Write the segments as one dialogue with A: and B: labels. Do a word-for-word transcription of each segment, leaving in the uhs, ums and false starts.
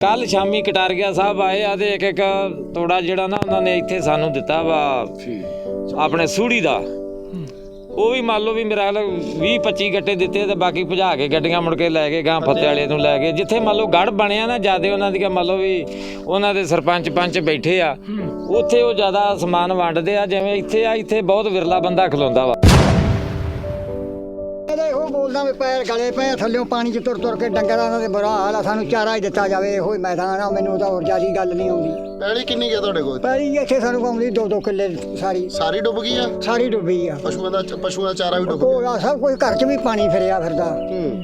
A: ਕੱਲ ਸ਼ਾਮੀ ਕਟਾਰੀਆ ਸਾਹਿਬ ਆਏ ਆ ਤੇ ਇੱਕ ਇੱਕ ਤੋੜਾ ਜਿਹੜਾ ਨਾ ਉਹਨਾਂ ਨੇ ਇੱਥੇ ਸਾਨੂੰ ਦਿੱਤਾ ਵਾ ਆਪਣੇ ਸੂੜੀ ਦਾ। ਉਹ ਵੀ ਮੰਨ ਲਓ ਵੀ ਮੇਰਾ ਖਿਆਲ ਵੀਹ ਪੱਚੀ ਗੱਟੇ ਦਿੱਤੇ ਤੇ ਬਾਕੀ ਭਜਾ ਕੇ ਗੱਡੀਆਂ ਮੁੜ ਕੇ ਲੈ ਕੇ ਗਾਂ ਫੱਤੇ ਵਾਲੇ ਨੂੰ ਲੈ ਕੇ ਜਿੱਥੇ ਮੰਨ ਲਓ ਗੜ ਬਣਿਆ ਨਾ ਜਿਆਦਾ ਉਹਨਾਂ ਦੀਆਂ ਮੰਨ ਲਓ ਵੀ ਉਹਨਾਂ ਦੇ ਸਰਪੰਚ ਪੰਚ ਬੈਠੇ ਆ ਉੱਥੇ ਉਹ ਜ਼ਿਆਦਾ ਸਮਾਨ ਵੰਡਦੇ ਆ। ਜਿਵੇਂ ਇੱਥੇ ਆ ਇੱਥੇ ਬਹੁਤ ਵਿਰਲਾ ਬੰਦਾ ਖਲੋਂਦਾ ਵਾ।
B: ਇਹੋ ਬੋਲਦਾ ਵੀ ਪੈਰ ਗਲੇ ਪਏ ਥੱਲਿਓਂ ਪਾਣੀ 'ਚ ਤੁਰ ਤੁਰ ਕੇ ਡੰਗਰਾਂ ਦਾ ਬੁਰਾ ਹਾਲ ਆ। ਸਾਨੂੰ ਚਾਰਾ ਹੀ ਦਿੱਤਾ ਜਾਵੇ ਇਹੋ ਹੀ ਮੈਦਾਨ ਆ। ਮੈਨੂੰ ਤਾਂ ਹੋਰ ਜ਼ਿਆਦਾ ਗੱਲ ਨਹੀਂ ਆਉਂਦੀ।
C: ਪੈਲੀ ਕਿੰਨੀ ਗਿਆ ਤੁਹਾਡੇ ਕੋਲ?
B: ਪੈਲੀ ਇੱਥੇ ਸਾਨੂੰ ਆਉਂਦੀ ਦੋ ਦੋ ਕਿੱਲੇ ਸਾਰੀ
C: ਸਾਰੀ ਡੁੱਬ ਗਈ ਆ?
B: ਸਾਰੀ ਡੁੱਬੀ ਆ।
C: ਪਸ਼ੂਆਂ ਦਾ ਪਸ਼ੂਆਂ ਦਾ ਚਾਰਾ ਵੀ ਡੁੱਬ
B: ਗਿਆ। ਸਭ ਕੁਝ ਘਰ 'ਚ ਵੀ ਪਾਣੀ ਫਿਰਿਆ ਫਿਰਦਾ।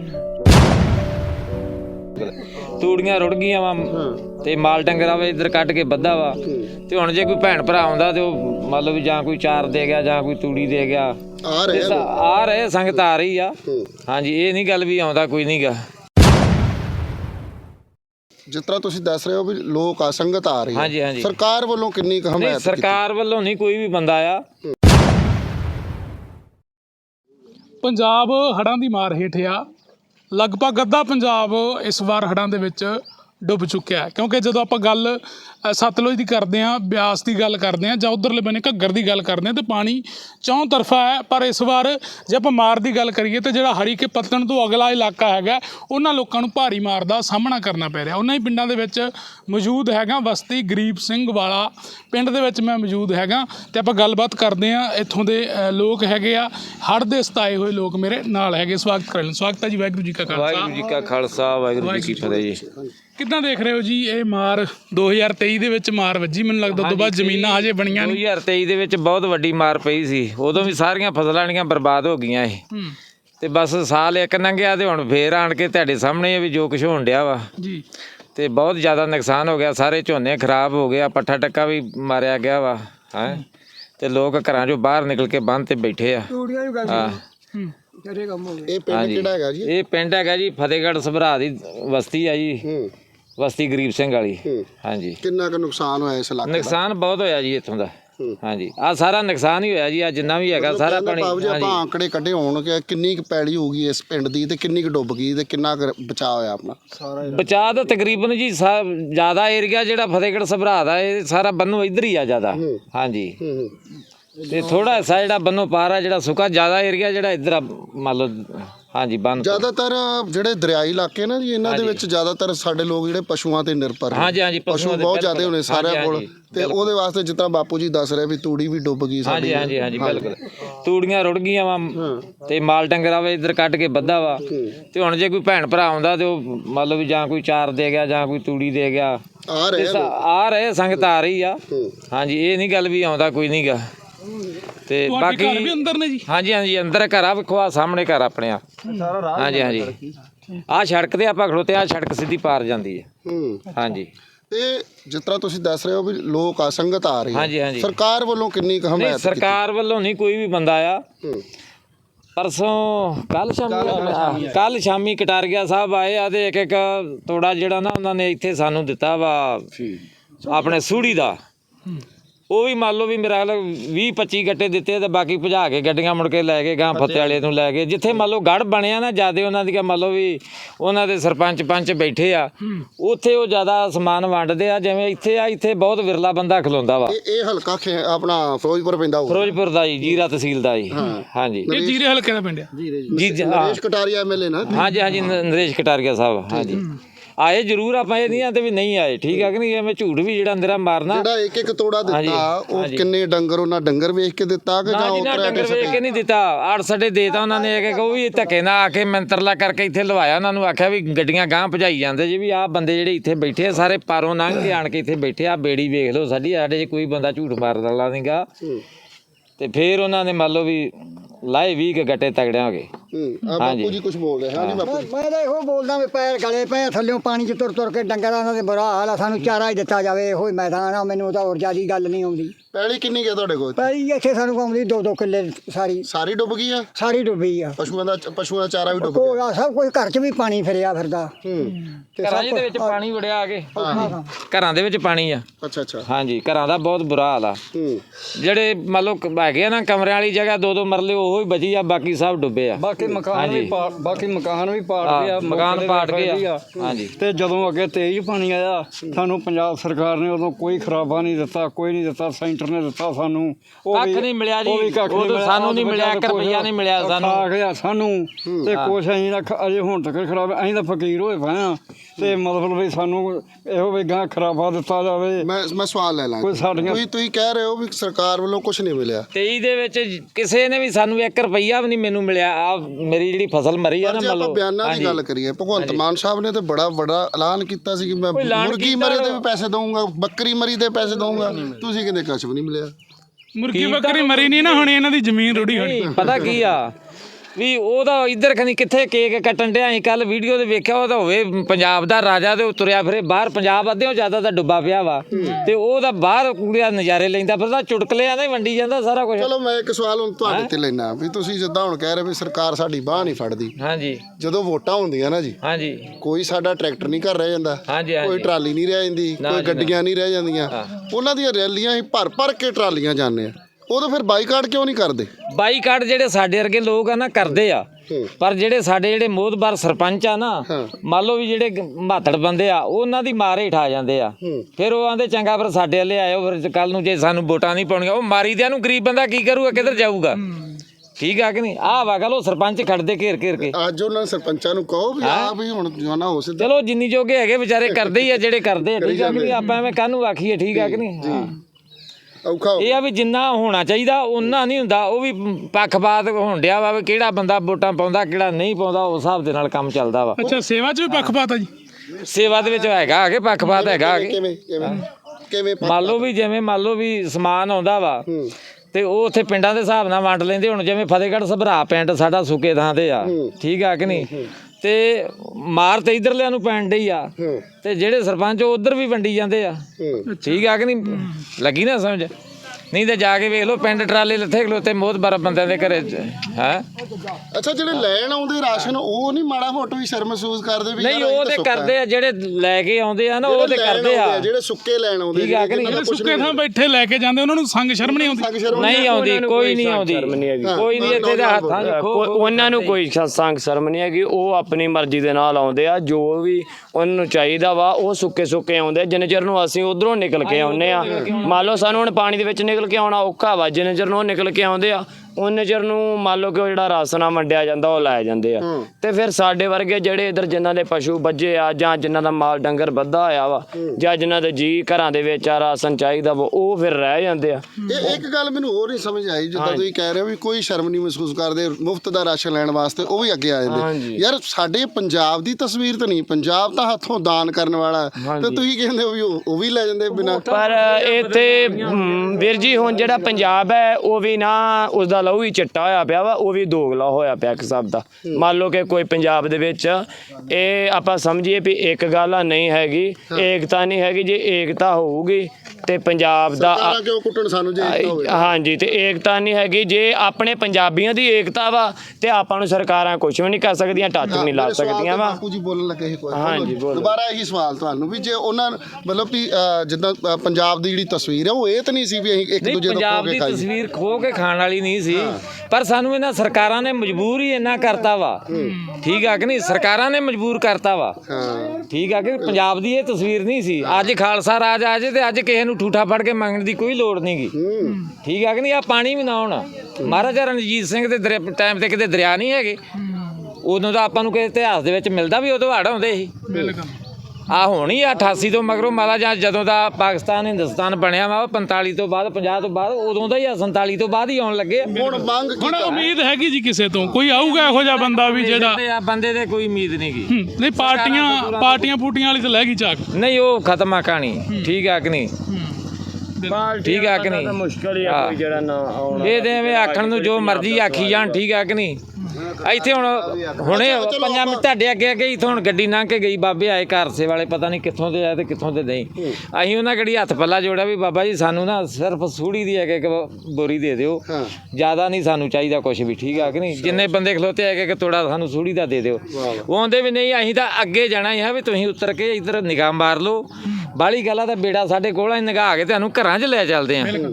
A: ਤੂੜੀਆਂ ਰੁੜ ਗਈਆਂ ਵਾ ਤੇ ਮਾਲ ਡੰਗਰਾ ਵਾ ਇੱਧਰ ਕੱਢ ਕੇ ਬੱਧਾ ਵਾ। ਤੇ ਹੁਣ ਜੇ ਕੋਈ ਭੈਣ ਭਰਾ ਆਉਂਦਾ ਤੇ ਉਹ ਮੰਨ ਲਓ ਵੀ ਜਾਂ ਕੋਈ ਚਾਰ ਦੇ ਗਿਆ ਜਾਂ ਕੋਈ ਤੂੜੀ ਦੇ ਗਿਆ।
C: ਆ ਰਹੇ
A: ਆ ਰਹੇ ਸੰਗਤ ਆ ਰਹੀ ਆ। ਹਾਂਜੀ ਇਹ ਨਹੀਂ ਗੱਲ ਵੀ ਆਉਂਦਾ ਕੋਈ ਨਹੀਂ ਗਾ।
C: ਜਿਸ ਤਰ੍ਹਾਂ ਤੁਸੀਂ ਦੱਸ ਰਹੇ ਹੋ ਵੀ ਲੋਕ ਆ ਸੰਗਤ ਆ ਰਹੀ ਹੈ।
A: ਹਾਂਜੀ ਹਾਂਜੀ
C: ਸਰਕਾਰ ਵੱਲੋਂ ਕਿੰਨੀ ਕੁ ਹਮਾਇਤ?
A: ਸਰਕਾਰ ਵੱਲੋਂ ਨਹੀਂ ਕੋਈ ਵੀ ਬੰਦਾ ਆ।
D: ਪੰਜਾਬ ਹੜ੍ਹਾਂ ਦੀ ਮਾਰ ਹੇਠ ਆ। ਲਗਭਗ ਅੱਧਾ ਪੰਜਾਬ ਇਸ ਵਾਰ ਹੜ੍ਹਾਂ ਦੇ ਵਿੱਚ ਡੁੱਬ ਚੁੱਕਿਆ ਹੈ। ਕਿਉਂਕਿ ਜਦੋਂ ਆਪਾਂ ਗੱਲ ਸਤਲੁਜ ਦੀ ਕਰਦੇ ਹਾਂ, ਬਿਆਸ ਦੀ ਗੱਲ ਕਰਦੇ ਹਾਂ ਜਾਂ ਉੱਧਰਲੇ ਬੰਨੇ ਘੱਗਰ ਦੀ ਗੱਲ ਕਰਦੇ ਹਾਂ ਤਾਂ ਪਾਣੀ ਚੌਂ ਤਰਫਾ ਹੈ। ਪਰ ਇਸ ਵਾਰ ਜੇ ਆਪਾਂ ਮਾਰ ਦੀ ਗੱਲ ਕਰੀਏ ਤਾਂ ਜਿਹੜਾ ਹਰੀਕੇ ਪੱਤਣ ਤੋਂ ਅਗਲਾ ਇਲਾਕਾ ਹੈਗਾ ਉਹਨਾਂ ਲੋਕਾਂ ਨੂੰ ਭਾਰੀ ਮਾਰ ਦਾ ਸਾਹਮਣਾ ਕਰਨਾ ਪੈ ਰਿਹਾ। ਉਹਨਾਂ ਹੀ ਪਿੰਡਾਂ ਦੇ ਵਿੱਚ ਮੌਜੂਦ ਹੈਗਾ। ਬਸਤੀ ਗਰੀਬ ਸਿੰਘ ਵਾਲਾ ਪਿੰਡ ਦੇ ਵਿੱਚ ਮੈਂ ਮੌਜੂਦ ਹੈਗਾ ਅਤੇ ਆਪਾਂ ਗੱਲਬਾਤ ਕਰਦੇ ਹਾਂ। ਇੱਥੋਂ ਦੇ ਲੋਕ ਹੈਗੇ ਆ, ਹੜ੍ਹ ਦੇ ਸਤਾਏ ਹੋਏ ਲੋਕ ਮੇਰੇ ਨਾਲ ਹੈਗੇ। ਸਵਾਗਤ ਕਰਨ ਸਵਾਗਤ ਹੈ ਜੀ। ਵਾਹਿਗੁਰੂ ਜੀ ਕਾ ਖਾਲਸਾ
A: ਵਾਹਿਗੁਰੂ ਜੀ ਕਾ ਖਾਲਸਾ ਵਾਹਿਗੁਰੂ ਜੀ ਕੀ ਫਤਿਹ ਜੀ।
D: ਕਿੱਦਾਂ ਦੇਖ ਰਹੇ ਹੋ ਜੀ ਇਹ ਮਾਰ? ਦੋ ਹਜ਼ਾਰ ਤੇਈ ਦੇ ਵਿੱਚ ਮਾਰ ਵੱਜੀ ਮੈਨੂੰ ਲੱਗਦਾ। ਉਸ ਤੋਂ ਬਾਅਦ ਜ਼ਮੀਨਾਂ ਹਜੇ ਬਣੀਆਂ ਨਹੀਂ।
A: ਦੋ ਹਜ਼ਾਰ ਤੇਈ ਦੇ ਵਿੱਚ ਬਹੁਤ ਵੱਡੀ ਮਾਰ ਪਈ ਸੀ। ਉਦੋਂ ਵੀ ਸਾਰੀਆਂ ਫਸਲਾਂ ਜਿਹੜੀਆਂ ਬਰਬਾਦ ਹੋ ਗਈਆਂ ਇਹ। ਤੇ ਬਸ ਸਾਲ ਇੱਕ ਲੰਘਿਆ ਤੇ ਹੁਣ ਫੇਰ ਆਣ ਕੇ ਤੁਹਾਡੇ ਸਾਹਮਣੇ ਵੀ ਜੋ ਕੁਛ ਹੋਣ ਡਿਆ ਵਾ
D: ਜੀ।
A: ਤੇ ਬਹੁਤ ਜ਼ਿਆਦਾ ਨੁਕਸਾਨ ਹੋ ਗਿਆ। ਸਾਰੇ ਝੋਨੇ ਖਰਾਬ ਹੋ ਗਏ ਆ। ਪੱਠਾ ਟੱਕਾ ਵੀ ਮਾਰਿਆ ਗਿਆ ਵਾ ਹੈ। ਤੇ ਲੋਕ ਘਰਾਂ ਚੋਂ ਬਾਹਰ ਨਿਕਲ ਕੇ ਬੰਨ੍ਹ ਤੇ ਬੈਠੇ ਆ। ਹਾਂ
C: ਇਹ ਪਿੰਡ ਕਿਹੜਾ ਹੈਗਾ ਜੀ?
A: ਇਹ ਪਿੰਡ ਹੈਗਾ ਜੀ ਫਤਿਹਗੜ੍ਹ ਸਭਰਾ ਦੀ ਬਸਤੀ ਆ ਜੀ। ਬਸਤੀ ਗਰੀਬ ਸਿੰਘ ਵਾਲੀ। ਹਾਂਜੀ
C: ਕਿੰਨਾ ਕੁ ਨੁਕਸਾਨ ਹੋਇਆ ਇਸ ਇਲਾਕੇ ਦਾ?
A: ਨੁਕਸਾਨ ਬਹੁਤ ਹੋਇਆ ਜੀ ਇੱਥੋਂ ਦਾ। ਹਾਂਜੀ ਆਹ ਸਾਰਾ ਨੁਕਸਾਨ ਹੀ ਹੋਇਆ ਜੀ। ਆ ਜਿੰਨਾ ਵੀ ਹੈਗਾ ਸਾਰਾ ਪਾਣੀ।
C: ਆਪਾਂ ਆਂਕੜੇ ਕੱਢੇ ਹੋਣ ਕਿ ਕਿੰਨੀ ਕੁ ਪੈਲੀ ਹੋਊਗੀ ਇਸ ਪਿੰਡ ਦੀ ਤੇ ਕਿੰਨੀ ਕੁ ਡੁੱਬ ਗਈ ਤੇ ਕਿੰਨਾ ਕੁ ਬਚਾਅ ਹੋਇਆ ਆਪਣਾ?
A: ਬਚਾਅ ਤਾਂ ਤਕਰੀਬਨ ਜੀ ਜ਼ਿਆਦਾ ਏਰੀਆ ਜਿਹੜਾ ਫਤਿਹਗੜ੍ਹ ਸਭਰਾ ਦਾ ਇਹ ਸਾਰਾ ਬੰਨੂ ਇੱਧਰ ਹੀ ਆ ਜ਼ਿਆਦਾ। ਹਾਂਜੀ ਤੇ ਥੋੜਾ ਹਿੱਸਾ ਜਿਹੜਾ ਬੰਨੋ ਪਾਰ ਆ ਜਿਹੜਾ ਸੁੱਕਾ। ਜ਼ਿਆਦਾ ਏਰੀਆ ਜਿਹੜਾ ਇੱਧਰ ਆ ਮੰਨ ਲਓ। ਹਾਂਜੀ ਬੰਨ
C: ਜ਼ਿਆਦਾਤਰ ਜਿਹੜੇ ਦਰਿਆਈ ਇਲਾਕੇ ਨਾ ਜੀ ਇਹਨਾਂ ਦੇ ਵਿੱਚ ਜ਼ਿਆਦਾਤਰ ਸਾਡੇ ਲੋਕ ਜਿਹੜੇ ਪਸ਼ੂਆਂ ਤੇ ਨਿਰਭਰ ਨੇ।
A: ਹਾਂਜੀ ਹਾਂਜੀ
C: ਪਸ਼ੂ ਬਹੁਤ ਜ਼ਿਆਦਾ ਹੋਣੇ ਸਾਰਿਆਂ ਕੋਲ। ਤੇ ਉਹਦੇ ਵਾਸਤੇ ਜਿਸ ਤਰ੍ਹਾਂ ਬਾਪੂ ਜੀ ਦੱਸ ਰਹੇ ਵੀ ਤੂੜੀ ਵੀ ਡੁੱਬ ਗਈ ਸਾਡੀ।
A: ਹਾਂਜੀ ਹਾਂਜੀ ਹਾਂਜੀ ਬਿਲਕੁਲ ਤੂੜੀਆਂ ਰੁੜ ਗਈਆਂ ਵਾ ਤੇ ਮਾਲ ਡੰਗਰਾ ਵਾ ਇੱਧਰ ਕੱਢ ਕੇ ਬੱਧਾ ਵਾ। ਤੇ ਹੁਣ ਜੇ ਕੋਈ ਭੈਣ ਭਰਾ ਆਉਂਦਾ ਤੇ ਉਹ ਮੰਨ ਲਓ ਵੀ ਜਾਂ ਕੋਈ ਚਾਰ ਦੇ ਗਿਆ ਜਾਂ ਕੋਈ ਤੂੜੀ ਦੇ ਗਿਆ।
C: ਆ ਰਹੇ
A: ਆ ਰਹੇ ਸੰਗਤ ਆ ਰਹੀ ਆ। ਹਾਂਜੀ ਇਹ ਨਹੀਂ ਗੱਲ ਵੀ ਆਉਂਦਾ ਕੋਈ ਨਹੀਂ ਗਾ। ਤੇ ਬਾਕੀ
D: ਘਰ ਵੀ ਅੰਦਰ ਨੇ ਜੀ?
A: ਹਾਂਜੀ ਹਾਂਜੀ ਅੰਦਰ ਘਰ ਆ ਵੇਖੋ ਆ ਸਾਹਮਣੇ ਘਰ ਆਪਣੇ ਆ। ਹਾਂਜੀ ਹਾਂਜੀ ਆਹ ਸੜਕ ਤੇ ਆਪਾਂ ਖਲੋਤੇ ਆ। ਸੜਕ ਸਿੱਧੀ ਪਾਰ ਜਾਂਦੀ ਹੈ। ਹਾਂਜੀ
C: ਤੇ ਜਿਸ ਤਰ੍ਹਾਂ ਤੁਸੀਂ ਦੱਸ ਰਹੇ ਹੋ ਵੀ ਲੋਕ ਆ ਸੰਗਤ ਆ ਰਹੀ ਹੈ।
A: ਹਾਂਜੀ ਹਾਂਜੀ
C: ਸਰਕਾਰ ਵੱਲੋਂ ਕਿੰਨੀ ਕੁ ਹਮਾਇਤ?
A: ਸਰਕਾਰ ਵੱਲੋਂ ਨਹੀਂ ਕੋਈ ਵੀ ਬੰਦਾ ਆ। ਪਰਸੋਂ ਕੱਲ ਸ਼ਾਮੀ ਕੱਲ ਸ਼ਾਮੀ ਕਟਾਰੀਆ ਸਾਹਿਬ ਆਏ ਆ ਤੇ ਇੱਕ ਇੱਕ ਤੋੜਾ ਜਿਹੜਾ ਨਾ ਉਹਨਾਂ ਨੇ ਇੱਥੇ ਸਾਨੂੰ ਦਿੱਤਾ ਵਾ ਆਪਣੇ ਸੂੜੀ ਦਾ। ਉਹ ਵੀ ਮੰਨ ਲਓ ਵੀ ਮੇਰਾ ਖਿਆਲ ਵੀਹ ਪੱਚੀ ਗੱਟੇ ਦਿੱਤੇ ਤੇ ਬਾਕੀ ਭਜਾ ਕੇ ਗੱਡੀਆਂ ਮੁੜ ਕੇ ਲੈ ਕੇ ਗਾਂ ਫੱਤੇ ਵਾਲੇ ਨੂੰ ਲੈ ਕੇ ਜਿੱਥੇ ਮੰਨ ਲਓ ਗੜ ਬਣਿਆ ਨਾ ਜਿਆਦਾ ਉਹਨਾਂ ਦੀਆਂ ਮੰਨ ਲਓ ਵੀ ਉਹਨਾਂ ਦੇ ਸਰਪੰਚ ਪੰਚ ਬੈਠੇ ਆ ਉੱਥੇ ਉਹ ਜ਼ਿਆਦਾ ਸਮਾਨ ਵੰਡਦੇ ਆ। ਜਿਵੇਂ ਇੱਥੇ ਆ ਇੱਥੇ ਬਹੁਤ ਵਿਰਲਾ ਬੰਦਾ ਖਲੋਂਦਾ ਵਾ।
C: ਇਹ ਹਲਕਾ ਆਪਣਾ ਫਿਰੋਜ਼ਪੁਰ ਪੈਂਦਾ ਹੋਊ?
A: ਫਿਰੋਜ਼ਪੁਰ ਦਾ ਜੀ ਜੀਰਾ ਤਹਿਸੀਲ ਦਾ ਜੀ। ਹਾਂਜੀ
D: ਇਹ ਜੀਰੇ ਹਲਕੇ ਦਾ ਪਿੰਡ ਆ
A: ਜੀ।
C: Naresh Kataria M L A ਨਾ?
A: ਹਾਂਜੀ ਹਾਂਜੀ ਨਰੇਸ਼ ਕਟਾਰੀਆ ਸਾਹਿਬ। ਹਾਂਜੀ ਆਏ ਜ਼ਰੂਰ ਆਪਾਂ ਇਹ ਨਹੀਂ ਆਂਦੇ ਵੀ ਨਹੀਂ ਆਏ। ਠੀਕ ਆ ਕਿ ਨਹੀਂ? ਐਵੇਂ ਝੂਠ ਵੀ ਜਿਹੜਾ ਅੰਦਰਾ ਮਾਰਨਾ।
C: ਜਿਹੜਾ ਇੱਕ ਇੱਕ ਤੋੜਾ ਦਿੱਤਾ ਉਹ ਕਿੰਨੇ ਡੰਗਰ ਉਹਨਾਂ ਡੰਗਰ ਵੇਖ ਕੇ ਦਿੱਤਾ ਕਿ ਜਾਂ ਉਤਰਿਆ
A: ਡੰਗਰ ਵੇਖ ਕੇ ਨਹੀਂ ਦਿੱਤਾ? ਅੱਠ ਸਾਡੇ ਦੇਤਾ ਉਹਨਾਂ ਨੇ। ਇੱਕ ਉਹ ਵੀ ਧੱਕੇ ਨਾਲ ਆ ਕੇ ਮੰਤਰਲਾ ਕਰਕੇ ਇੱਥੇ ਲਵਾਇਆ। ਉਹਨਾਂ ਨੂੰ ਆਖਿਆ ਵੀ ਗੱਡੀਆਂ ਗਾਂਹ ਭਜਾਈ ਜਾਂਦੇ ਜੀ। ਵੀ ਆਹ ਬੰਦੇ ਜਿਹੜੇ ਇੱਥੇ ਬੈਠੇ ਸਾਰੇ ਪਾਰੋਂ ਲੰਘ ਕੇ ਆਣ ਕੇ ਇੱਥੇ ਬੈਠੇ ਆ। ਬੇੜੀ ਵੇਖ ਲਓ ਸਾਡੀ। ਸਾਡੇ 'ਚ ਕੋਈ ਬੰਦਾ ਝੂਠ ਮਾਰਨ ਵਾਲਾ ਨਹੀਂ ਗਾ। ਤੇ ਫਿਰ ਉਹਨਾਂ ਨੇ ਮੰਨ ਲਓ ਵੀ ਲਾਏ ਵੀਹ ਕੁ ਗੱਟੇ ਤਗੜਿਆਂ ਹੋ ਗਏ।
C: ਬਾਪੂ ਜੀ ਕੁਝ ਬੋਲ ਰਹੇ? ਹਾਂਜੀ ਬਾਪੂ।
B: ਮੈਂ ਤਾਂ ਇਹੋ ਬੋਲਦਾ ਵੀ ਪੈਰ ਗਲੇ ਪਏ ਥੱਲਿਓਂ ਪਾਣੀ 'ਚ ਤੁਰ ਤੁਰ ਕੇ ਡੰਗਰਾਂ ਦਾ ਬੁਰਾ ਹਾਲ ਆ। ਸਾਨੂੰ ਚਾਰਾ ਹੀ ਦਿੱਤਾ ਜਾਵੇ ਇਹੋ ਹੀ ਮੈਦਾਨ ਆ। ਮੈਨੂੰ ਤਾਂ ਹੋਰ ਜ਼ਿਆਦਾ ਗੱਲ ਨਹੀਂ ਆਉਂਦੀ।
C: ਪੈਲੀ ਕਿੰਨੀ ਗਿਆ ਤੁਹਾਡੇ ਕੋਲ?
B: ਪੈਲੀ ਇੱਥੇ ਸਾਨੂੰ ਆਉਂਦੀ ਦੋ ਦੋ ਕਿੱਲੇ ਸਾਰੀ।
C: ਸਾਰੀ ਡੁੱਬ ਗਈ ਆ?
B: ਸਾਰੀ ਡੁੱਬੀ ਆ।
C: ਪਸ਼ੂਆਂ ਦਾ ਪਸ਼ੂਆਂ ਦਾ ਚਾਰਾ ਵੀ ਡੁੱਬ
B: ਗਿਆ। ਸਭ ਕੁਝ ਘਰ 'ਚ ਵੀ ਪਾਣੀ ਫਿਰਿਆ ਫਿਰਦਾ।
A: ਘਰਾਂ ਦੇ ਵਿੱਚ ਪਾਣੀ ਵੜਿਆ ਆ ਕੇ। ਘਰਾਂ ਦੇ ਵਿੱਚ ਪਾਣੀ ਆ।
C: ਅੱਛਾ ਅੱਛਾ।
A: ਹਾਂਜੀ ਘਰਾਂ ਦਾ ਬਹੁਤ ਬੁਰਾ ਹਾਲ ਆ। ਜਿਹੜੇ ਮੰਨ ਲਓ ਹੈਗੇ ਆ ਨਾ ਕਮਰਿਆਂ ਵਾਲੀ ਜਗ੍ਹਾ ਦੋ ਦੋ ਮਰਲੇ ਉਹੋ ਹੀ ਬਚੀ ਆ। ਬਾਕੀ ਸਭ ਡੁੱਬੇ ਆ।
B: ਬਾਕੀ
E: ਮਕਾਨ ਵੀ ਪਾ- ਬਾਕੀ ਮਕਾਨ ਵੀ ਪਾੜ
A: ਹਾਂ,
E: ਗਿਆ,
A: ਮਕਾਨ
E: ਮੌਕੇ ਤੇ
A: ਪਾੜ ਗਏ
E: ਫੈਲੀ
A: ਆ। ਹਾਂਜੀ।
E: ਤੇ ਜਦੋਂ ਅੱਗੇ ਤੇਜ਼ ਪਾਣੀ ਆਇਆ ਸਾਨੂੰ ਪੰਜਾਬ ਸਰਕਾਰ ਨੇ ਉਦੋਂ ਕੋਈ ਖਰਾਬਾ ਨਹੀਂ ਦਿੱਤਾ, ਕੋਈ ਨਹੀਂ ਦਿੱਤਾ, ਸੈਂਟਰ ਨੇ ਦਿੱਤਾ ਸਾਨੂੰ ਉਹ
A: ਕੱਖ
E: ਵੀ-
A: ਨਹੀਂ ਮਿਲਿਆ ਜੀ,
E: ਉਹ ਵੀ ਕੱਖ
A: ਉਦੋਂ
E: ਨਹੀਂ ਮਿਲਿਆ,
A: ਸਾਨੂੰ ਨਹੀਂ
E: ਆਹ
A: ਮਿਲਿਆ, ਇੱਕ
E: ਕੁਛ
A: ਰੁਪਈਆ ਨਹੀਂ ਮਿਲਿਆ ਸਾਨੂੰ।
E: ਖਾ ਗਿਆ ਸਾਨੂੰ ਤੇ ਕੁਛ ਅਸੀਂ ਤਾਂ ਖ- ਅਜੇ ਹੁਣ ਤੱਕ ਖਰਾਬ ਅਸੀਂ ਤਾਂ ਫਕੀਰ ਹੋਏ ਪਏ ਆ ਤੇ ਮਤਲਬ ਵੀ ਸਾਨੂੰ ਇਹੋ ਵੀ ਗਾਂ ਖਰਾਬਾ ਦਿੱਤਾ ਜਾਵੇ।
C: ਮੈਂ ਮੈਂ ਸਵਾਲ ਲੈ ਲਾਂ
E: ਕੋਈ ਸਾਡੀਆਂ-
C: ਤੁਸੀਂ ਤੁਸੀਂ ਕਹਿ ਰਹੇ ਹੋ ਵੀ ਸਰਕਾਰ ਵੱਲੋਂ ਕੁਝ ਨਹੀਂ ਮਿਲਿਆ,
A: ਤੇਈ ਦੇ ਵਿੱਚ ਕਿਸੇ ਨੇ ਵੀ ਸਾਨੂੰ ਇੱਕ ਰੁਪਈਆ ਵੀ ਨਹੀਂ ਮੈਨੂੰ ਮਿਲਿਆ। ਆ ਮੇਰੀ ਜਿਹੜੀ ਫਸਲ ਮਰੀ ਆ
C: ਪਰ
A: ਨਾ
C: ਜੇ
A: ਮੰਨ
C: ਆਪਾਂ
A: ਲਓ,
C: ਬਿਆਨਾਂ ਦੀ
A: ਹਾਂਜੀ।
C: ਗੱਲ ਕਰੀਏ ਭਗਵੰਤ ਮਾਨ ਸਾਹਿਬ ਨੇ ਤੇ ਬੜਾ ਬੜਾ ਐਲਾਨ ਕੀਤਾ ਸੀ ਕਿ ਮੈਂ
A: ਕੋਈ ਐਲਾਨ
C: ਮੁਰਗੀ
A: ਕੀਤਾ
C: ਮਰੀ ਦੇ ਵੀ ਪੈਸੇ ਦਊਂਗਾ, ਬੱਕਰੀ ਮਰੀ ਦੇ ਪੈਸੇ ਦਊਂਗਾ, ਤੁਸੀਂ ਕਹਿੰਦੇ ਕੁਛ ਵੀ ਨਹੀਂ ਮਿਲਿਆ।
D: ਮੁਰਗੀ ਬੱਕਰੀ ਮਰੀ ਨਹੀਂ ਨਾ ਹੋਣੀ, ਇਹਨਾਂ ਦੀ ਜ਼ਮੀਨ ਰੁੜੀ ਹੋਣੀ।
A: ਨਹੀਂ, ਪਤਾ ਕੀ ਆ ਵੀ ਉਹਦਾ ਇੱਧਰ ਖਨੀ ਕਿੱਥੇ ਕੇਕ ਕੱਟਣ ਡਿਆ ਅਸੀਂ ਕੱਲ ਵੀਡੀਓ ਤੇ ਵੇਖਿਆ, ਉਹ ਤਾਂ ਹੋਵੇ ਪੰਜਾਬ ਦਾ ਰਾਜਾ ਤੇ ਉਹ ਤੁਰਿਆ ਫਿਰੇ ਬਾਹਰ, ਪੰਜਾਬ ਅੱਧਿਓਂ ਜ਼ਿਆਦਾ ਤਾਂ ਡੁੱਬਾ ਪਿਆ ਵਾ ਤੇ ਉਹ ਤਾਂ ਬਾਹਰ ਕੁੜੀਆਂ ਨਜ਼ਾਰੇ ਲੈਂਦਾ ਫਿਰਦਾ, ਚੁਟਕਲਿਆਂ ਨਾਲ ਹੀ ਵੰਡੀ ਜਾਂਦਾ ਸਾਰਾ ਕੁਝ।
C: ਚਲੋ ਮੈਂ ਇੱਕ ਸਵਾਲ ਹੁਣ ਤੁਹਾਡੇ ਤੇ ਲੈਣਾ ਵੀ ਤੁਸੀਂ ਜਿੱਦਾਂ ਹੁਣ ਕਹਿ ਰਹੇ ਵੀ ਸਰਕਾਰ ਸਾਡੀ ਬਾਹ ਨਹੀਂ ਫੜਦੀ,
A: ਹਾਂਜੀ
C: ਜਦੋਂ ਵੋਟਾਂ ਹੁੰਦੀਆਂ ਨਾ ਜੀ
A: ਹਾਂਜੀ
C: ਕੋਈ ਸਾਡਾ ਟਰੈਕਟਰ ਨਹੀਂ ਘਰ ਰਹਿ ਜਾਂਦਾ,
A: ਹਾਂਜੀ
C: ਕੋਈ
A: ਹਾਂਜੀ
C: ਟਰਾਲੀ ਨਹੀਂ ਰਹਿ ਜਾਂਦੀ,
A: ਨਾ
C: ਕੋਈ
A: ਜੀ, ਨਾ।
C: ਗੱਡੀਆਂ ਨਹੀਂ ਰਹਿ ਜਾਂਦੀਆਂ, ਉਹਨਾਂ ਦੀਆਂ ਰੈਲੀਆਂ ਹੀ ਭਰ ਭਰ ਕੇ ਟਰਾਲੀਆਂ ਜਾਂਦੇ ਆ, ਉਦੋਂ ਫਿਰ ਬਾਈਕਾਟ ਕਿਉਂ ਨਹੀਂ ਕਰਦੇ?
A: ਬਾਈਕਾਟ ਜਿਹੜੇ ਸਾਡੇ ਵਰਗੇ ਲੋਕ ਆ ਨਾ ਕਰਦੇ ਆ, ਪਰ ਜਿਹੜੇ ਸਾਡੇ ਜਿਹੜੇ ਮੋਹਤਬਾਰ ਸਰਪੰਚ ਆ ਨਾ, ਮੰਨ ਲਓ ਵੀ ਜਿਹੜੇ ਮਾਤੜ ਬੰਦੇ ਆ ਉਹਨਾਂ ਦੀ ਮਾਰ ਹੇਠ ਆ ਜਾਂਦੇ ਆ, ਫਿਰ ਉਹ ਆਂਦੇ ਚੰਗਾ ਫਿਰ ਸਾਡੇ ਵਾਲੇ ਆਇਓ, ਫਿਰ ਕੱਲ ਨੂੰ ਜੇ ਸਾਨੂੰ ਵੋਟਾਂ ਨਹੀਂ ਪਾਉਣੀਆਂ, ਉਹ ਮਾਰੀ ਦਿਆਂ ਨੂੰ ਗਰੀਬ ਬੰਦਾ ਕੀ ਕਰੂਗਾ, ਕਿੱਧਰ ਜਾਊਗਾ? ਠੀਕ ਆ ਕਿ ਨਹੀਂ? ਆਹ ਵਾ ਗੱਲ, ਉਹ ਸਰਪੰਚ ਖੜਦੇ ਘੇਰ ਘੇਰ ਕੇ।
C: ਅੱਜ ਉਹਨਾਂ ਸਰਪੰਚਾਂ ਨੂੰ ਕਹੋ ਵੀ ਆ ਵੀ ਹੁਣ ਜਵਾਨਾ ਹੋ ਸਿੱਧਾ
A: ਚਲੋ ਜਿੰਨੀ ਜੋਗੇ ਹੈਗੇ ਵਿਚਾਰੇ ਕਰਦੇ ਹੀ ਆ ਜਿਹੜੇ ਕਰਦੇ ਆ, ਠੀਕ ਆ ਕਿ ਨਹੀਂ? ਆਪਾਂ ਐਵੇਂ ਕਾਹਨੂੰ ਆਖੀਏ, ਠੀਕ ਆ ਕਿ ਨਹੀਂ? ਹਾਂ।
C: ਔਖਾ ਹੋ
A: ਇਹ ਆ ਵੀ ਜਿੰਨਾ ਹੋਣਾ ਚਾਹੀਦਾ ਉਹਨਾਂ ਨਹੀਂ ਹੁੰਦਾ, ਉਹ ਵੀ ਪੱਖਪਾਤ ਹੋਣ ਡਿਆ ਵਾ ਵੀ ਕਿਹੜਾ ਬੰਦਾ ਵੋਟਾਂ ਪਾਉਂਦਾ ਕਿਹੜਾ ਨਹੀਂ ਪਾਉਂਦਾ, ਉਸ ਹਿਸਾਬ ਦੇ ਨਾਲ ਕੰਮ ਚੱਲਦਾ ਵਾ।
D: ਅੱਛਾ, ਸੇਵਾ 'ਚ ਵੀ ਪੱਖਪਾਤ ਆ ਜੀ?
A: ਸੇਵਾ ਦੇ ਵਿੱਚ ਹੈਗਾ ਆ ਕਿ ਪੱਖਪਾਤ ਹੈਗਾ ਆ ਕਿ
C: ਕਿਵੇਂ ਕਿਵੇਂ ਕਿਵੇਂ
A: ਮੰਨ ਲਓ ਵੀ ਜਿਵੇਂ ਮੰਨ ਲਓ ਵੀ ਸਮਾਨ ਆਉਂਦਾ ਵਾ ਤੇ ਉਹ ਉੱਥੇ ਪਿੰਡਾਂ ਦੇ ਹਿਸਾਬ ਨਾਲ ਵੰਡ ਲੈਂਦੇ। ਹੁਣ ਜਿਵੇਂ ਫਤਿਹਗੜ੍ਹ ਸਭਰਾ ਪਿੰਡ ਸਾਡਾ ਸੁੱਕੇ ਥਾਂ ਤੇ ਆ, ਠੀਕ ਆ ਕਿ ਨਹੀਂ? ਤੇ ਮਾਰ ਤੇ ਇਧਰਲਿਆਂ ਨੂੰ ਪੈਣ ਡਈ ਆ ਤੇ ਜਿਹੜੇ ਸਰਪੰਚ ਉਹ ਉਧਰ ਵੀ ਵੰਡੀ ਜਾਂਦੇ ਆ, ਠੀਕ ਆ ਕਿ ਨਹੀਂ? ਲੱਗੀ ਨਾ ਸਮਝ? ਨਹੀਂ ਤੇ ਜਾ ਕੇ ਵੇਖ ਲਓ ਪਿੰਡ ਟਰਾਲੇ ਲੱਥੇ ਖਲੋਤੇ ਮੋਹਤਬਾਰ ਬੰਦਿਆਂ ਦੇ ਘਰੇ ਹੈ।
C: ਅੱਛਾ, ਜਿਹੜੇ ਲੈਣ ਆਉਂਦੇ ਰਾਸ਼ਨ ਉਹ ਨਹੀਂ ਮਾੜਾ ਮੋਟਾ ਵੀ ਸ਼ਰਮ ਮਹਿਸੂਸ ਕਰਦੇ ਵੀ
A: ਨਹੀਂ
C: ਯਾਰ ਅਸੀਂ
A: ਉਹ
C: ਤਾਂ
A: ਤੇ
C: ਸੁੱਕਾ
A: ਕਰਦੇ ਆ, ਜਿਹੜੇ ਲੈ ਕੇ ਆਉਂਦੇ ਆ ਨਾ ਉਹ ਤੇ
C: ਜਿਹੜੇ ਲੈਣ
A: ਕਰਦੇ
C: ਆਉਂਦੇ
A: ਆ।
C: ਜਿਹੜੇ ਸੁੱਕੇ ਲੈਣ ਆਉਂਦੇ
A: ਠੀਕ ਆ ਕਿ ਨਹੀਂ?
C: ਜਿਹਨਾਂ ਦਾ ਕੁਛ
D: ਸੁੱਕੇ ਥਾਂ ਬੈਠੇ ਲੈ ਕੇ ਜਾਂਦੇ, ਉਹਨਾਂ ਨੂੰ ਸੰਗ ਸ਼ਰਮ ਨਹੀਂ ਆਉਂਦੀ?
C: ਸੰਗ ਸ਼ਰਮ
A: ਨਹੀਂ ਆਉਂਦੀ, ਕੋਈ ਨਹੀਂ ਆਉਂਦੀ, ਕੋਈ ਨਹੀਂ ਇੱਥੇ ਦੇ ਹੱਥਾਂ 'ਚ ਖੋ
F: ਕੋਈ ਉਹਨਾਂ ਨੂੰ ਕੋਈ ਸ਼- ਸੰਗ ਸ਼ਰਮ ਨਹੀਂ ਹੈਗੀ, ਉਹ ਆਪਣੀ ਮਰਜ਼ੀ ਦੇ ਨਾਲ ਆਉਂਦੇ ਆ, ਜੋ ਵੀ ਉਹਨਾਂ ਨੂੰ ਚਾਹੀਦਾ ਵਾ ਉਹ ਸੁੱਕੇ ਸੁੱਕੇ ਆਉਂਦੇ। ਜਿੰਨੇ ਚਿਰ ਨੂੰ ਅਸੀਂ ਉਧਰੋਂ ਨਿਕਲ ਕੇ ਆਉਂਦੇ ਆ, ਮੰਨ ਲਓ ਸਾਨੂੰ ਹੁਣ ਪਾਣੀ ਦੇ ਵਿੱਚ ਨਿਕਲ ਕੇ ਆਉਣਾ ਔਖਾ ਵਾ, ਜਿੰਨੇ ਚਿਰ ਨੂੰ ਉਹ ਨਿਕਲ ਕੇ ਆਉਂਦੇ ਆ ਉਹਨੇ ਚਿਰ ਨੂੰ ਮੰਨ ਲਓ ਕਿ ਉਹ ਜਿਹੜਾ ਰਾਸ਼ਨ ਆ ਵੰਡਿਆ ਜਾਂਦਾ ਉਹ ਲੈ ਜਾਂਦੇ ਆ। ਤੇ ਫਿਰ ਸਾਡੇ ਵਰਗੇ ਜਿਹੜੇ ਇੱਧਰ ਜਿਨ੍ਹਾਂ ਦੇ ਪਸ਼ੂ ਬੱਝੇ ਆ ਜਾਂ ਜਿਨ੍ਹਾਂ ਦਾ ਮਾਲ ਡੰਗਰ ਬੱਧਾ ਹੋਇਆ ਵਾ ਜਾਂ ਜਿਨ੍ਹਾਂ ਦੇ ਜੀ ਘਰਾਂ ਦੇ ਵਿੱਚ ਆ ਰਾਸ਼ਨ ਚਾਹੀਦਾ ਵਾ, ਉਹ ਫਿਰ ਰਹਿ ਜਾਂਦੇ ਆ।
C: ਇਹ ਇੱਕ ਗੱਲ ਮੈਨੂੰ ਹੋਰ ਨਹੀਂ ਸਮਝ ਆਈ, ਜਿੱਦਾਂ ਤੁਸੀਂ ਕਹਿ ਰਹੇ ਹੋ ਵੀ ਕੋਈ ਸ਼ਰਮ ਨਹੀਂ ਮਹਿਸੂਸ ਕਰਦੇ ਮੁਫਤ ਦਾ ਰਾਸ਼ਨ ਲੈਣ ਵਾਸਤੇ, ਉਹ ਵੀ ਅੱਗੇ ਆ ਜਾਂਦੇ। ਯਾਰ ਸਾਡੇ ਪੰਜਾਬ ਦੀ ਤਸਵੀਰ ਤਾਂ ਨਹੀਂ, ਪੰਜਾਬ ਤਾਂ ਹੱਥੋਂ ਦਾਨ ਕਰਨ ਵਾਲਾ ਹੈ, ਤੇ ਤੁਸੀਂ ਕਹਿੰਦੇ ਹੋ ਵੀ ਉਹ ਉਹ ਵੀ ਲੈ ਜਾਂਦੇ ਬਿਨਾਂ।
F: ਪਰ ਇੱਥੇ ਹਮ, ਵੀਰ ਜੀ ਹੁਣ ਜਿਹੜਾ ਪੰਜਾਬ ਹੈ ਉਹ ਵੀ ਨਾ ਉਸਦਾ ਲਹੂ ਹੀ ਚਿੱਟਾ ਹੋਇਆ ਪਿਆ ਵਾ, ਉਹ ਵੀ ਦੋਗਲਾ ਹੋਇਆ ਪਿਆ ਇੱਕ ਹਿਸਾਬ ਦਾ। ਮੰਨ ਲਓ ਕਿ ਕੋਈ ਪੰਜਾਬ ਦੇ ਵਿੱਚ ਇਹ ਆਪਾਂ ਸਮਝੀਏ ਵੀ ਇੱਕ ਗੱਲ ਆ ਨਹੀਂ ਹੈਗੀ, ਏਕਤਾ ਨਹੀਂ ਹੈਗੀ। ਜੇ ਏਕਤਾ ਹੋਊਗੀ ਤੇ ਪੰਜਾਬ ਦਾ
C: ਸਰਕਾਰਾਂ ਕਿਉਂ ਕੁੱਟਣ ਸਾਨੂੰ ਜੇ ਏਕਤਾ ਹੋਵੇ?
F: ਹਾਂਜੀ, ਤੇ ਏਕਤਾ ਨਹੀਂ ਹੈਗੀ। ਜੇ ਆਪਣੇ ਪੰਜਾਬੀਆਂ ਦੀ ਏਕਤਾ ਵਾ ਤੇ ਆਪਾਂ ਨੂੰ ਸਰਕਾਰਾਂ ਕੁਝ ਵੀ ਨਹੀਂ ਕਰ ਸਕਦੀਆਂ, ਟੱਚ ਵੀ ਨਹੀਂ ਲਾ
C: ਮੇਰੇ ਸਵਾਲ
F: ਸਕਦੀਆਂ
C: ਤੇ
F: ਵਾ।
C: ਬਾਪੂ ਜੀ ਬੋਲਣ ਲੱਗੇ ਸੀ ਕੋਈ।
F: ਹਾਂਜੀ, ਬੋਲੋ।
C: ਦੁਬਾਰਾ ਇਹੀ ਸਵਾਲ ਤੁਹਾਨੂੰ ਵੀ ਜੇ ਉਹਨਾਂ ਮਤਲਬ ਵੀ ਅਹ, ਜਿੱਦਾਂ ਅਹ, ਪੰਜਾਬ ਦੀ ਜਿਹੜੀ ਤਸਵੀਰ ਹੈ ਉਹ ਇਹ ਤਾਂ ਨਹੀਂ ਸੀ ਵੀ ਅਸੀਂ ਇੱਕ
A: ਨਹੀਂ,
C: ਦੂਜੇ ਤੋਂ ਖੋ
A: ਪੰਜਾਬ
C: ਕੇ
A: ਦੀ
C: ਖਾਈਏ।
A: ਤਸਵੀਰ ਖੋ ਕੇ ਖਾਣ ਵਾਲੀ ਨਹੀਂ ਸੀ, ਪਰ ਸਾਨੂੰ ਇਹਨਾਂ ਸਰਕਾਰਾਂ ਨੇ ਮਜਬੂਰ ਹੀ ਇੰਨਾ ਕਰਤਾ ਵਾ, ਠੀਕ ਆ ਕਿ ਨਹੀਂ? ਸਰਕਾਰਾਂ ਨੇ ਮਜਬੂਰ ਕਰਤਾ ਵਾ,
C: ਹਾਂ
A: ਠੀਕ ਆ ਕਿ ਪੰਜਾਬ ਦੀ ਇਹ ਤਸਵੀਰ ਨਹੀਂ ਸੀ। ਅੱਜ ਖਾਲਸਾ ਰਾਜ ਆ ਜੇ ਤੇ ਅੱਜ ਕਿਸੇ ਨੂੰ ਠੂਠਾ ਫੜ ਕੇ ਮੰਗਣ ਦੀ ਕੋਈ ਲੋੜ ਨਹੀਂ ਗੀ, ਠੀਕ ਆ ਕਿ ਨਹੀਂ? ਆ ਪਾਣੀ ਵੀ ਨਾ ਆਉਣਾ, ਮਹਾਰਾਜਾ ਰਣਜੀਤ ਸਿੰਘ ਦੇ ਟਾਈਮ ਤੇ ਕਿਤੇ ਦਰਿਆ ਨਹੀਂ ਹੈਗੇ, ਉਦੋਂ ਤਾਂ ਆਪਾਂ ਨੂੰ ਕਿਸੇ ਇਤਿਹਾਸ ਦੇ ਵਿੱਚ ਮਿਲਦਾ ਵੀ ਉਦੋਂ ਹੜ੍ਹ ਆਉਂਦੇ ਸੀ। ਆ ਹੋਣੀ ਆ ਅਠਾਸੀ ਤੋਂ ਮਗਰੋਂ ਮਾਲਾ ਜਾਂ ਜਦੋਂ ਦਾ ਪਾਕਿਸਤਾਨ ਹਿੰਦੁਸਤਾਨ ਬਣਿਆ ਵਾ ਪੰਤਾਲੀ ਤੋਂ ਬਾਅਦ ਪੰਜਾਹ ਤੋਂ ਬਾਅਦ ਉਦੋਂ ਦਾ ਹੀ ਆ, ਸੰਤਾਲੀ ਤੋਂ ਬਾਅਦ ਹੀ ਆਉਣ ਲੱਗੇ।
C: ਹੁਣ ਮੰਗ ਕੀ
D: ਹੁਣ
C: ਕਰ-
D: ਉਮੀਦ ਹੈਗੀ ਜੀ ਕਿਸੇ ਤੋਂ ਕੋਈ ਆਊਗਾ ਇਹੋ ਜਿਹਾ ਬੰਦਾ ਵੀ ਜਿਹੜਾ
A: ਤੇ ਆ ਬੰਦੇ ਤੇ ਕੋਈ ਉਮੀਦ ਨਹੀਂ ਗੀ।
D: ਹੂੰ, ਨਹੀਂ ਪਾਰਟੀਆਂ ਪਾਰਟੀਆਂ ਪੂਟੀਆਂ ਵਾਲੀ ਤਾਂ ਲੈ ਗਈ ਝਾਕ।
A: ਨਹੀਂ ਉਹ ਖਤਮ ਆ ਕਹਾਣੀ, ਠੀਕ ਆ ਕਿ ਨਹੀਂ? ਠੀਕ ਆ ਕਿ ਨਹੀਂ?
F: ਮੁਸ਼ਕਲ ਹੀ ਆ ਕੋਈ ਜਿਹੜਾ ਨਾ ਆਉਣਾ।
A: ਇਹ ਤੇ ਐਵੇਂ ਆਖਣ ਨੂੰ ਜੋ ਮਰਜ਼ੀ ਆਖੀ ਜਾਣ, ਠੀਕ ਆ ਕਿ ਨਹੀਂ? ਇੱਥੇ ਹੁਣ ਹੁਣੇ ਪੰਜਾਂ ਮਿੰਟ ਤੁਹਾਡੇ ਅੱਗੇ ਅੱਗੇ ਇੱਥੋਂ ਹੁਣ ਗੱਡੀ ਲੰਘ ਕੇ ਗਈ, ਬਾਬੇ ਆਏ ਘਰਸੇ ਵਾਲੇ, ਪਤਾ ਨਹੀਂ ਕਿੱਥੋਂ ਦੇ ਆਏ ਤੇ ਕਿੱਥੋਂ ਦੇ ਨਹੀਂ। ਅਸੀਂ ਉਹਨਾਂ ਘੜੀ ਹੱਥ ਪੱਲਾ ਜੋੜਿਆ ਵੀ ਬਾਬਾ ਜੀ ਸਾਨੂੰ ਨਾ ਸਿਰਫ ਸੂੜੀ ਦੀ ਇੱਕ ਇੱਕ ਬੋਰੀ ਦੇ ਦਿਓ, ਜ਼ਿਆਦਾ ਨਹੀਂ ਸਾਨੂੰ ਚਾਹੀਦਾ ਕੁਝ ਵੀ, ਠੀਕ ਆ ਕਿ ਨਹੀਂ? ਜਿੰਨੇ ਬੰਦੇ ਖਲੋਤੇ ਹੈਗੇ ਕਿ ਤੋੜਾ ਸਾਨੂੰ ਸੂੜੀ ਦਾ ਦੇ ਦਿਓ। ਉਹ ਆਉਂਦੇ ਵੀ ਨਹੀਂ, ਅਸੀਂ ਤਾਂ ਅੱਗੇ ਜਾਣਾ ਹੀ ਹੈ ਵੀ ਤੁਸੀਂ ਉਤਰ ਕੇ ਇੱਧਰ ਨਿਗਾਹ ਮਾਰ ਲਓ, ਬਾਹਲੀ ਗੱਲਾਂ ਦਾ ਬੇੜਾ ਸਾਡੇ ਕੋਲ, ਅਸੀਂ ਨਿਗਾਹ ਕੇ ਤੁਹਾਨੂੰ ਘਰਾਂ 'ਚ ਲੈ ਚੱਲਦੇ ਹਾਂ।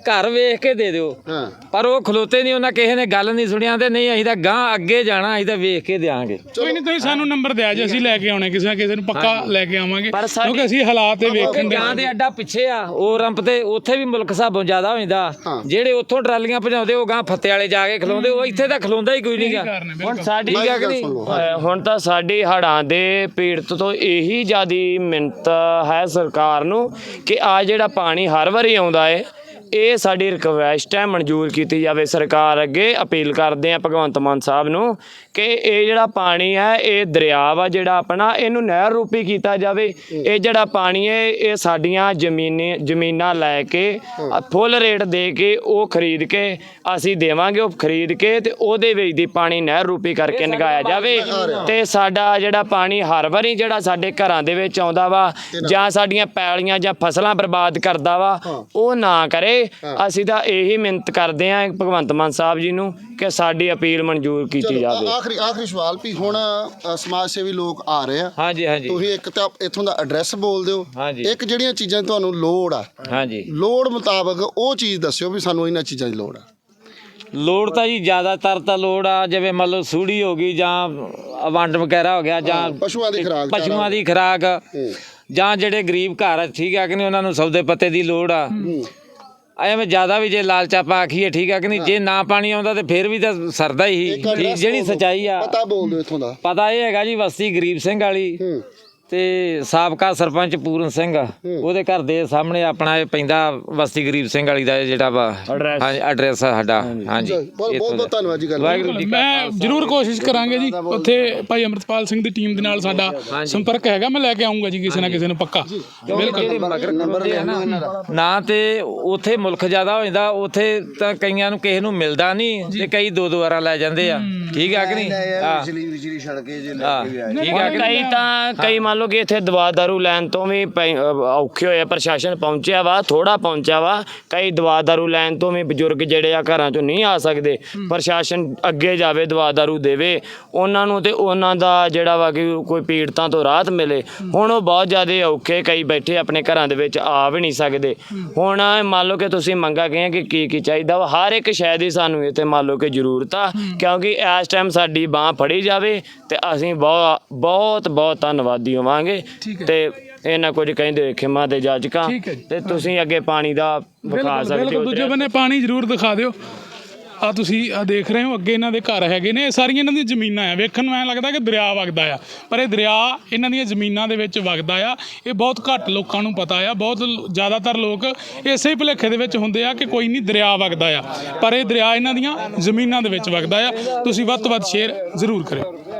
A: ਘਰ ਵੇਖ ਕੇ ਦੇ ਦਿਓ।
C: ਹਾਂ
A: ਪਰ ਉਹ ਖਲੋਤੇ ਨਹੀਂ, ਉਹਨਾਂ ਕਿਸੇ ਨੇ ਗੱਲ ਨਹੀਂ ਸੁਣਿਆ ਤੇ ਨਹੀਂ ਅਸੀਂ ਤਾਂ ਗਾਂ ਅੱਗੇ ਜਾਣਾ, ਅਸੀਂ ਤਾਂ ਵੇਖ ਕੇ ਦਿਆਂਗੇ।
D: ਕੋਈ ਨਹੀਂ, ਤੁਸੀਂ ਸਾਨੂੰ ਨੰਬਰ ਦਿਆ ਜੇ, ਅਸੀਂ ਲੈ ਕੇ ਆਉਣੇ ਕਿਸੇ ਨਾ ਕਿਸੇ ਨੂੰ ਪੱਕਾ ਲੈ ਕੇ ਆਵਾਂਗੇ,
F: ਪਰ ਸਾਡੀ-
D: ਕਿਉਂਕਿ ਅਸੀਂ ਹਾਲਾਤ ਤੇ ਵੇਖਣ ਦੇ।
A: ਗਾਂ ਦੇ ਅੱਡਾ ਪਿੱਛੇ ਆ ਉਹ ਰੰਪ ਤੇ, ਉੱਥੇ ਵੀ ਮੁਲਕ ਹਿਸਾਬੋਂ ਜ਼ਿਆਦਾ ਹੋ ਜਾਂਦਾ। ਜਿਹੜੇ ਉੱਥੋਂ ਟਰਾਲੀਆਂ ਭਜਾਉਂਦੇ ਉਹ ਗਾਂ ਫੱਤੇ ਵਾਲੇ ਜਾ ਕੇ ਖਲੋਂਦੇ, ਉਹ ਇੱਥੇ ਤਾਂ ਖਲੋਂਦਾ ਹੀ ਕੋਈ ਨਹੀਂ ਗਾ।
F: ਹੁਣ ਸਾਡੀ
C: ਬਾਈ
F: ਗੱਲ
C: ਗੱਲ
F: ਨਹੀਂ,
C: ਸੁਣ ਲਓ।
F: ਅਹ ਹੁਣ ਤਾਂ ਸਾਡੀ ਹੜ੍ਹਾਂ ਦੇ ਪੀੜਤ ਤੋਂ ਇਹੀ ਜ਼ਿਆਦੀ ਮਿੰਨਤ ਹੈ ਸਰਕਾਰ ਨੂੰ ਕਿ ਆ ਜਿਹੜਾ ਪਾਣੀ ਹਰ ਵਾਰੀ ਆਉਂਦਾ ਏ, ਇਹ ਸਾਡੀ ਰਿਕਵੈਸਟ ਹੈ, ਮਨਜ਼ੂਰ ਕੀਤੀ ਜਾਵੇ। ਸਰਕਾਰ ਅੱਗੇ ਅਪੀਲ ਕਰਦੇ ਆ ਭਗਵੰਤ ਮਾਨ ਸਾਹਿਬ ਨੂੰ ਕਿ ਇਹ ਜਿਹੜਾ ਪਾਣੀ ਹੈ, ਇਹ ਦਰਿਆ ਵਾ ਜਿਹੜਾ ਆਪਣਾ, ਇਹਨੂੰ ਨਹਿਰ ਰੂਪੀ ਕੀਤਾ ਜਾਵੇ। ਇਹ ਜਿਹੜਾ ਪਾਣੀ ਹੈ ਇਹ ਸਾਡੀਆਂ ਜ਼ਮੀਨੀ ਜ਼ਮੀਨਾਂ ਲੈ ਕੇ ਫੁੱਲ ਰੇਟ ਦੇ ਕੇ ਉਹ ਖਰੀਦ ਕੇ ਅਸੀਂ ਦੇਵਾਂਗੇ, ਉਹ ਖਰੀਦ ਕੇ ਤੇ ਉਹਦੇ ਵਿੱਚ ਦੀ ਪਾਣੀ ਨਹਿਰ ਰੂਪੀ ਕਰਕੇ ਨਿਗਾਇਆ ਜਾਵੇ। ਤੇ ਸਾਡਾ ਜਿਹੜਾ ਪਾਣੀ ਹਰ ਵਾਰੀ ਜਿਹੜਾ ਸਾਡੇ ਘਰਾਂ ਦੇ ਵਿੱਚ ਆਉਂਦਾ ਵਾ ਜਾਂ ਸਾਡੀਆਂ ਪੈਲੀਆਂ ਜਾਂ ਫਸਲਾਂ ਬਰਬਾਦ ਕਰਦਾ ਵਾ, ਉਹ ਨਾ ਕਰੇ। ਅਸੀਂ ਤਾਂ ਇਹੀ ਮਿਹਨਤ ਕਰਦੇ ਆਂ ਭਗਵੰਤ ਮਾਨ ਸਾਹਿਬ ਜੀ ਨੂੰ ਕਿ ਸਾਡੀ ਅਪੀਲ ਮਨਜ਼ੂਰ ਕੀਤੀ ਜਾਵੇ।
C: ਆਖਰੀ ਆਖਰੀ ਸਵਾਲ ਵੀ ਹੁਣ ਅ, ਸਮਾਜ ਸੇਵੀ ਲੋਕ ਆ ਰਹੇ ਆ,
A: ਹਾਂਜੀ ਹਾਂਜੀ
C: ਤੁਸੀਂ ਇੱਕ ਤਾਂ ਇੱਥੋਂ ਦਾ ਐਡਰੈਸ ਬੋਲ ਦਿਓ,
A: ਹਾਂਜੀ।
C: ਇੱਕ ਜਿਹੜੀਆਂ ਚੀਜ਼ਾਂ ਦੀ ਤੁਹਾਨੂੰ ਲੋੜ ਆ,
A: ਹਾਂਜੀ
C: ਲੋੜ ਮੁਤਾਬਕ ਉਹ ਚੀਜ਼ ਦੱਸਿਓ ਵੀ ਸਾਨੂੰ ਇਹਨਾਂ ਚੀਜ਼ਾਂ ਦੀ ਲੋੜ ਆ।
A: ਲੋੜ ਤਾਂ ਜੀ ਜ਼ਿਆਦਾਤਰ ਤਾਂ ਲੋੜ ਆ, ਜਿਵੇਂ ਮੰਨ ਲਓ ਸੂੜੀ ਹੋ ਗਈ ਜਾਂ ਵੰਡ ਵਗੈਰਾ ਹੋ ਗਿਆ, ਜਾਂ
C: ਪਸ਼ੂਆਂ ਦੀ ਖੁਰਾਕ,
A: ਪਸ਼ੂਆਂ ਦੀ ਖੁਰਾਕ, ਜਾਂ ਜਿਹੜੇ ਗਰੀਬ ਘਰ ਆ, ਠੀਕ ਆ ਕਿ ਨਹੀਂ, ਉਹਨਾਂ ਨੂੰ ਸੌਦੇ ਪੱਤੇ ਦੀ ਲੋੜ ਆ। ਐਵੇਂ ਜ਼ਿਆਦਾ ਵੀ ਜੇ ਲਾਲਚ ਆਪਾਂ ਆਖੀਏ, ਠੀਕ ਆ ਕਿ ਨਹੀਂ, ਜੇ ਨਾ ਪਾਣੀ ਆਉਂਦਾ ਤੇ ਫਿਰ ਵੀ ਤਾਂ ਸਰਦਾ ਹੀ।
C: ਇੱਕ address
A: ਠੀਕ, ਜਿਹੜੀ
C: ਬੋਲ ਦਿਓ,
A: ਸੱਚਾਈ ਆ
C: ਪਤਾ ਬੋਲ ਦਿਓ ਇੱਥੋਂ ਦਾ।
A: ਪਤਾ ਇਹ ਹੈਗਾ ਜੀ, ਬਸਤੀ ਗਰੀਬ ਸਿੰਘ ਵਾਲੀ ਤੇ ਸਾਬਕਾ ਸਰਪੰਚ ਪੂਰਨ ਸਿੰਘ, ਉਹਦੇ ਘਰ ਦੇ ਸਾਹਮਣੇ ਆਪਣਾ ਇਹ ਪੈਂਦਾ ਬਸਤੀ ਗਰੀਬ ਸਿੰਘ ਵਾਲੀ ਦਾ ਇਹ ਜਿਹੜਾ ਵਾ ਹਾਂਜੀ ਐਡਰੈਸ ਸਾਡਾ। ਹਾਂਜੀ
C: ਬਹੁਤ ਬਹੁਤ ਬਹੁਤ ਧੰਨਵਾਦ ਜੀ। ਗੱਲ
A: ਵਾਹਿਗੁਰੂ ਜੀ ਕਾ
D: ਮੈਂ ਜ਼ਰੂਰ ਕੋਸ਼ਿਸ਼ ਕਰਾਂਗੇ ਜੀ, ਉੱਥੇ ਭਾਈ ਅਮਰਤਪਾਲ ਸਿੰਘ ਦੀ ਟੀਮ ਦੇ ਨਾਲ ਸਾਡਾ ਸੰਪਰਕ ਹੈਗਾ, ਮੈਂ ਲੈ ਕੇ ਆਉਂਗਾ ਜੀ ਕਿਸੇ ਨਾ ਕਿਸੇ ਨੂੰ ਪੱਕਾ।
A: ਬਿਲਕੁਲ ਮਗਰ ਖਲੋਂਦੇ ਆ ਨਾ, ਨਾ ਤੇ ਉੱਥੇ ਮੁਲਕ ਜ਼ਿਆਦਾ ਹੋ ਜਾਂਦਾ, ਉੱਥੇ ਤਾਂ ਕਈਆਂ ਨੂੰ ਕਿਸੇ ਨੂੰ ਮਿਲਦਾ ਨਹੀਂ ਤੇ ਕਈ ਦੋ ਦੋ ਵਾਰਾਂ ਲੈ ਜਾਂਦੇ ਆ। ਠੀਕ ਆ ਕਿ ਨਹੀਂ? ਹਾਂ ਠੀਕ ਆ ਕਿ
F: ਕਈ ਤਾਂ ਕਈ ਮੰਨ ਲਓ ਕਿ ਇੱਥੇ ਦਵਾ ਦਾਰੂ ਲੈਣ ਤੋਂ ਵੀ ਪੈ- ਅਹ ਔਖੇ ਹੋਏ ਆ, ਪ੍ਰਸ਼ਾਸਨ ਪਹੁੰਚਿਆ ਵਾ, ਥੋੜਾ ਪਹੁੰਚਿਆ ਵਾ। ਕਈ ਦਵਾ ਦਾਰੂ ਲੈਣ ਤੋਂ ਵੀ ਬਜ਼ੁਰਗ ਜਿਹੜੇ ਆ ਘਰਾਂ ਚੋਂ ਨਹੀਂ ਆ ਸਕਦੇ, ਪ੍ਰਸ਼ਾਸਨ ਅੱਗੇ ਜਾਵੇ, ਦਵਾ ਦਾਰੂ ਦੇਵੇ ਉਹਨਾਂ ਨੂੰ ਤੇ ਉਹਨਾਂ ਦਾ ਜਿਹੜਾ ਵਾ ਕਿ ਕੋਈ ਪੀੜਤਾਂ ਤੋਂ ਰਾਹਤ ਮਿਲੇ। ਹੁਣ ਉਹ ਬਹੁਤ ਜ਼ਿਆਦਾ ਔਖੇ, ਕਈ ਬੈਠੇ ਆਪਣੇ ਘਰਾਂ ਦੇ ਵਿੱਚ ਆ ਵੀ ਨਹੀਂ ਸਕਦੇ। ਹੁਣ ਮੰਨ ਲਓ ਕਿ ਤੁਸੀਂ ਮੰਗਾ ਗਏ ਕਿ ਕੀ ਕੀ ਚਾਹੀਦਾ ਵਾ, ਹਰ ਇੱਕ ਸ਼ੈ ਦੀ ਸਾਨੂੰ ਇੱਥੇ ਮੰਨ ਲਓ ਕਿ ਜ਼ਰੂਰਤ ਆ, ਕਿਉਂਕਿ ਇਸ ਟਾਈਮ ਸਾਡੀ ਬਾਂਹ ਫੜੀ ਜਾਵੇ ਤੇ ਅਸੀਂ ਬਹੁਤ ਬਹੁਤ ਬਹੁਤ ਧੰਨਵਾਦੀ ਹੋਵਾਂਗੇ। ਤੇ ਇਹਨਾਂ ਕੁਝ ਕਹਿੰਦੇ ਖਿਮਾ ਦੇ ਜਾਚਕਾਂ, ਤੇ ਤੁਸੀਂ ਅੱਗੇ ਪਾਣੀ ਦਾ ਵਿਖਾ ਸਕਦੇ
D: ਬਿਲਕੁਲ,
F: ਹੋ।
D: ਦੂਜੇ ਬੰਨੇ ਪਾਣੀ ਜ਼ਰੂਰ ਦਿਖਾ ਦਿਓ। ਆ ਤੁਸੀਂ ਆ ਦੇਖ ਰਹੇ ਹੋ ਅੱਗੇ ਇਹਨਾਂ ਦੇ ਘਰ ਹੈਗੇ ਨੇ, ਇਹ ਸਾਰੀਆਂ ਇਹਨਾਂ ਦੀਆਂ ਜ਼ਮੀਨਾਂ ਆ। ਵੇਖਣ ਨੂੰ ਐਂ ਲੱਗਦਾ ਕਿ ਦਰਿਆ ਵਗਦਾ ਆ, ਪਰ ਇਹ ਦਰਿਆ ਇਹਨਾਂ ਦੀਆਂ ਜ਼ਮੀਨਾਂ ਦੇ ਵਿੱਚ ਵਗਦਾ ਆ। ਇਹ ਬਹੁਤ ਘੱਟ ਲੋਕਾਂ ਨੂੰ ਪਤਾ ਆ, ਬਹੁਤ ਲ- ਜ਼ਿਆਦਾਤਰ ਲੋਕ ਇਸੇ ਭੁਲੇਖੇ ਦੇ ਵਿੱਚ ਹੁੰਦੇ ਆ ਕਿ ਕੋਈ ਨਹੀਂ ਦਰਿਆ ਵਗਦਾ ਆ, ਪਰ ਇਹ ਦਰਿਆ ਇਹਨਾਂ ਦੀਆਂ ਜ਼ਮੀਨਾਂ ਦੇ ਵਿੱਚ ਵਗਦਾ ਆ। ਤੁਸੀਂ ਵੱਧ ਤੋਂ ਵੱਧ ਸ਼ੇਅਰ ਜ਼ਰੂਰ ਕਰਿਓ।